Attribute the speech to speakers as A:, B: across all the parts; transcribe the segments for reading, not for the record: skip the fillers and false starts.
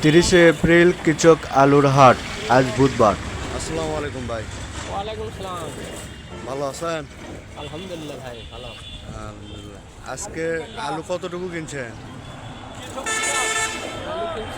A: 30শে April কৃষক আলুর হাট, আজ বুধবার।
B: আসসালামু আলাইকুম ভাই।
C: ওয়ালাইকুম সালাম।
B: ভালো আছেন?
C: আলহামদুলিল্লাহ ভাই, ভালো।
B: আলহামদুলিল্লাহ। আজকে আলু কতটুকু কিনছেন?
C: আলু কিনছি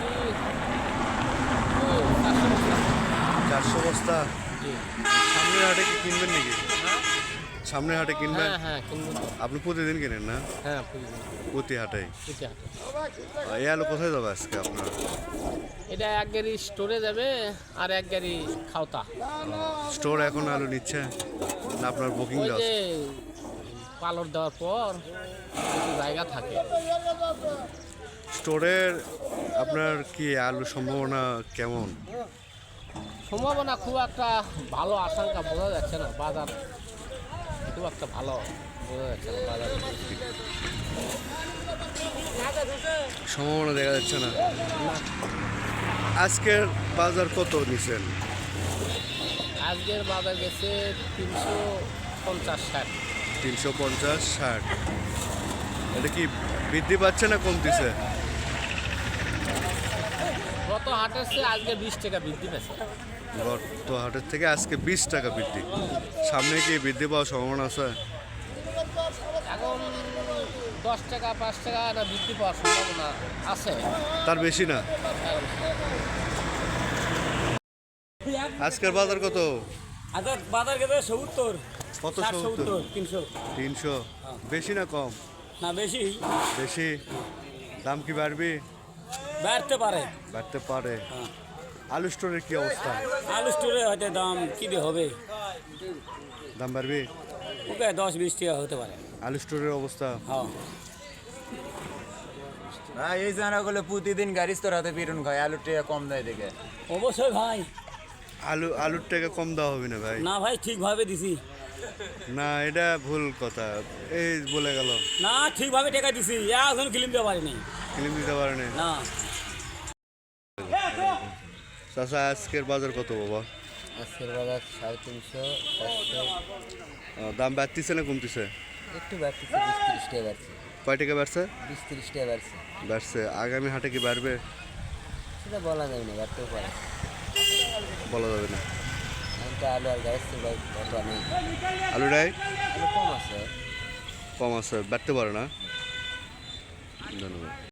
B: 400 বস্তা।
C: জি।
B: সামনের হাটে কি কিনবেন নাকি? সামনের হাটে কিনবেন?
C: হ্যাঁ হ্যাঁ, কিনবো তো।
B: আপনি প্রতিদিন কিনেন না?
C: হ্যাঁ, প্রয়োজন।
B: প্রতি হাটে।
C: এটা হাটে।
B: এই আলু কোথায় যাবে আজকে আপনার?
C: এটা এক গাড়ি স্টোরে যাবে আর এক গাড়ি খাওতা।
B: স্টোর এখন আলু নিচ্ছে না আপনার বুকিং
C: ওই
B: দেওয়া
C: যে
B: আছে?
C: পালর দেওয়ার পর কিছু জায়গা থাকে।
B: স্টোরের আপনার কি আলু সম্ভাবনা কেমন?
C: সম্ভাবনা খুব একটা ভালো আশঙ্কা বোঝা যাচ্ছে না। বাজার খুব একটা ভালো বোঝা যাচ্ছে না বাজার।
B: সম্ভাবনা দেখা যাচ্ছে না। আজকের বাজার কত নিছেন?
C: আজকের বাজার গেছে 350-60।
B: 350-60। এটা কি বৃদ্ধি পাচ্ছে না কমতিছে?
C: গত হাটের চেয়ে আজকে 20 টাকা বৃদ্ধি পেয়েছে।
B: গত হাটের থেকে আজকে 20 টাকা বৃদ্ধি। সামনে কি বৃদ্ধি পাওয়ার সম্ভাবনা আছে?
C: এখন 10 টাকা 5 টাকা না বৃদ্ধি পাওয়ার সম্ভাবনা আছে।
B: তার বেশি না। আজকের বাজার কত?
D: আচ্ছা, বাজার গেছে 70।
B: কত
D: 70,
B: 70?
D: 300।
B: 300। বেশি না কম?
D: না, বেশি
B: বেশি। দাম কি বাড়বে?
D: বাড়তে পারে।
B: বাড়তে পারে।
D: হ্যাঁ।
B: আলু স্টোরের কি অবস্থা?
D: আলু স্টোরে হয়তো দাম কি দিয়ে হবে,
B: দাম বাড়বে?
D: ওকে 10-20 টাকা হতে পারে।
B: আলু স্টোরের অবস্থা?
D: হ্যাঁ।
E: এই জানাগুলো প্রতিদিন গাড়ি তোরাতে বিরুন খায় আলুর টাকা কম দেয় দেখে।
D: অবশ্যই ভাই।
B: আলুর টাকা কম দেওয়া হবে না ভাই।
D: না ভাই, ঠিকভাবে দিছি।
B: না, এটা ভুল কথা। এই বলে গেল।
D: না, ঠিকভাবে টাকা দিছি, এখন ক্লিম দিতে পারিনি।
B: কিনে দিতে পারে না।
D: না,
B: চাচা, আজকের বাজার কত বাবা?
C: আজকের বাজার 350-400।
B: দাম বাড়তিছে না কমতিছে?
C: একটু বাড়তেছে, 20-30 টাকা বাড়ছে।
B: কয় টাকা বাড়ছে?
C: 20-30 টাকা বাড়ছে।
B: বাড়ছে। আগামী হাটে কি বাড়বে?
C: সেটা বলা যাবে না, বাড়তেও পারে।
B: বলা যাবে না।
C: এখন তো আলু আর গাছ ভাই কত নেই।
B: আলুটাই
C: আলু কম আছে।
B: কম আছে, বাড়তে পারে না। ধন্যবাদ।